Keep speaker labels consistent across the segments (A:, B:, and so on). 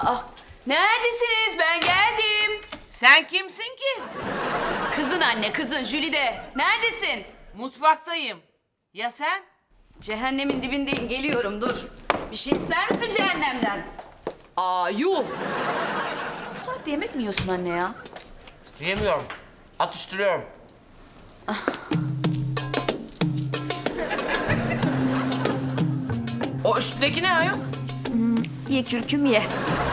A: Aa, neredesiniz? Ben geldim.
B: Sen kimsin ki?
A: Kızın anne, kızın Jülide. Neredesin?
B: Mutfaktayım. Ya sen?
A: Cehennemin dibindeyim, geliyorum, dur. Bir şey ister misin cehennemden? Aa, yuh! Bu saatte yemek mi yiyorsun anne ya?
B: Yemiyorum. Atıştırıyorum. O üstündeki ne ayol?
A: Ye kürküm ye.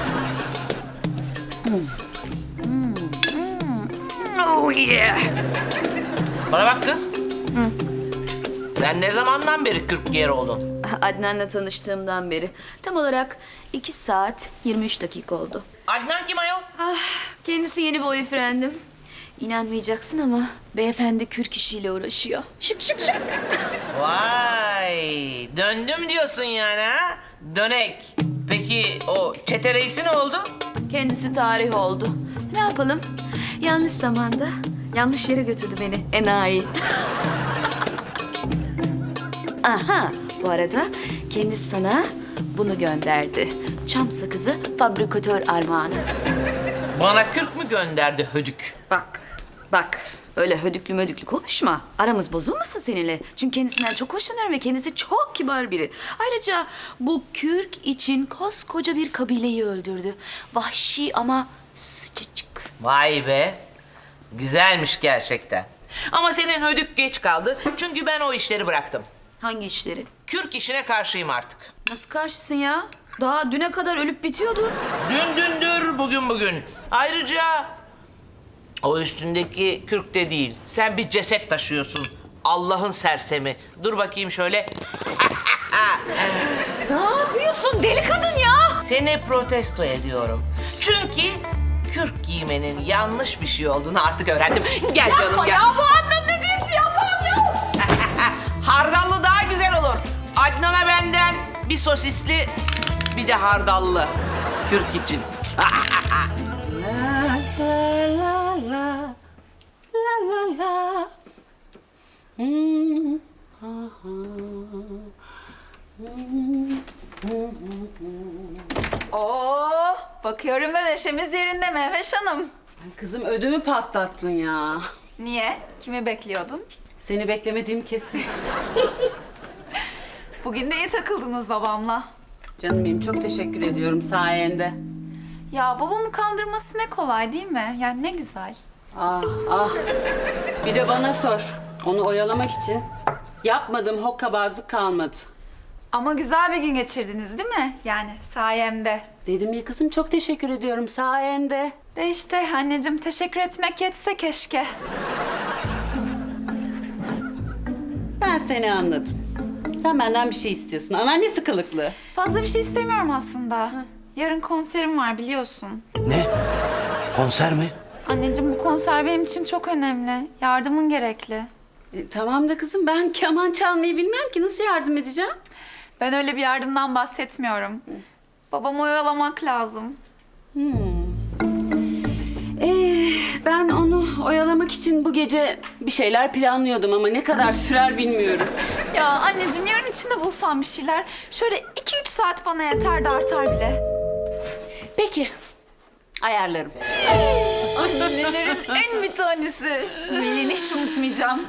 A: Oh yeah!
B: Bana bak kız. Sen ne zamandan beri 40 yer oldun?
A: Adnan'la tanıştığımdan beri tam olarak 2 saat 23 dakika oldu.
B: Adnan kim ayol?
A: Ah, kendisi yeni boyfriendim. İnanmayacaksın ama beyefendi kürk işiyle uğraşıyor. Şık şık şık.
B: Vay, döndüm diyorsun yani ha? Dönek. Peki o çete reisi ne oldu?
A: Kendisi tarih oldu. Ne yapalım? Yanlış zamanda yanlış yere götürdü beni enayi. Aha, bu arada kendisi sana bunu gönderdi. Çam sakızı fabrikatör armağanı.
B: Bana 40 mü gönderdi hödük?
A: Bak. Öyle hödüklü mödüklü konuşma. Aramız bozulmasın seninle. Çünkü kendisinden çok hoşlanıyorum ve kendisi çok kibar biri. Ayrıca bu kürk için koskoca bir kabileyi öldürdü. Vahşi ama sıcacık.
B: Vay be. Güzelmiş gerçekten. Ama senin hödük geç kaldı. Çünkü ben o işleri bıraktım.
A: Hangi işleri?
B: Kürk işine karşıyım artık.
A: Nasıl karşısın ya? Daha düne kadar ölüp bitiyordu.
B: Dün dündür, bugün bugün. Ayrıca o üstündeki kürk de değil. Sen bir ceset taşıyorsun. Allah'ın sersemi. Dur bakayım şöyle.
A: Ne yapıyorsun deli kadın ya?
B: Seni protesto ediyorum. Çünkü kürk giymenin yanlış bir şey olduğunu artık öğrendim. Gel canım
A: Yapma
B: gel.
A: ya, bu Adnan ne diyorsun ya, Allah'ım ya?
B: Hardallı daha güzel olur. Adnan'a benden bir sosisli, bir de hardallı. Kürk için.
C: Oo, bakıyorum da neşemiz yerinde Mehveş Hanım.
D: Ay kızım ödümü patlattın ya.
C: Niye? Kimi bekliyordun?
D: Seni beklemediğim kesin.
C: Bugün de iyi takıldınız babamla.
D: Canım benim çok teşekkür ediyorum sayende.
C: Ya babamı kandırması ne kolay değil mi? Yani ne güzel.
D: Ah ah. Bir de bana sor. Onu oyalamak için yapmadığım hokkabazlık kalmadı.
C: Ama güzel bir gün geçirdiniz değil mi? Yani sayemde.
D: Dedim ya kızım çok teşekkür ediyorum sayende.
C: De işte anneciğim teşekkür etmek yetse keşke.
D: Ben seni anladım. Sen benden bir şey istiyorsun. Anneannesi kılıklı.
C: Fazla bir şey istemiyorum aslında. Yarın konserim var biliyorsun.
E: Ne? Konser mi?
C: Anneciğim bu konser benim için çok önemli. Yardımın gerekli.
D: Tamam da kızım ben keman çalmayı bilmem ki nasıl yardım edeceğim?
C: Ben öyle bir yardımdan bahsetmiyorum. Babamı oyalamak lazım.
D: Ben onu oyalamak için bu gece bir şeyler planlıyordum ama ne kadar sürer bilmiyorum.
C: Ya anneciğim yarın içinde bulsam bir şeyler. Şöyle 2-3 saat bana yeter de artar bile.
D: Peki, ayarlarım.
C: Annelerin en bir tanesi. Melih'i hiç unutmayacağım.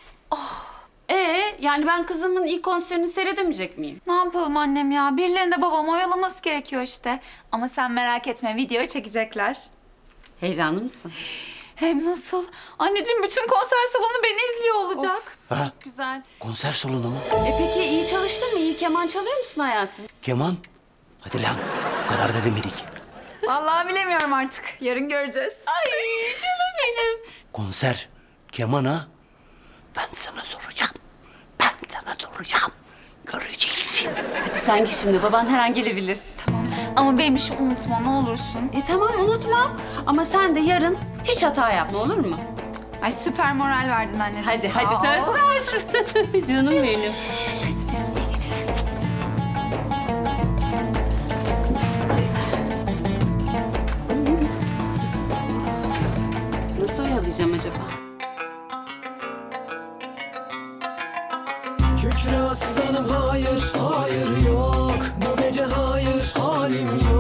D: Yani ben kızımın ilk konserini seyredemeyecek miyim?
C: Ne yapalım annem ya? Birilerinin de babamı oyalaması gerekiyor işte. Ama sen merak etme videoyu çekecekler.
D: Heyecanlı mısın?
C: Hem nasıl? Anneciğim bütün konser salonu beni izliyor olacak.
E: Ha?
D: Güzel.
E: Konser salonu mu?
D: Peki iyi çalıştın mı? İyi keman çalıyor musun hayatım?
E: Keman? Hadi lan. Bu kadar da demedik.
C: Vallahi bilemiyorum artık. Yarın göreceğiz.
D: Ay canım benim.
E: Konser. Keman ha? Ben sana soracağım. Ben sana soracağım. Göreceksin.
D: Hadi sen git şimdi. Baban her an gelebilir.
C: Ama benim işi unutma ne olursun.
D: Tamam unutmam. Ama sen de yarın hiç hata yapma olur mu?
C: Ay süper moral verdin anneciğim.
D: Hadi
C: sağ
D: hadi
C: ol.
D: söz ver. Canım benim. Nasıl oyalayacağım acaba?
F: Kükre aslanım hayır, hayır yok. Bu gece hayır, halim yok.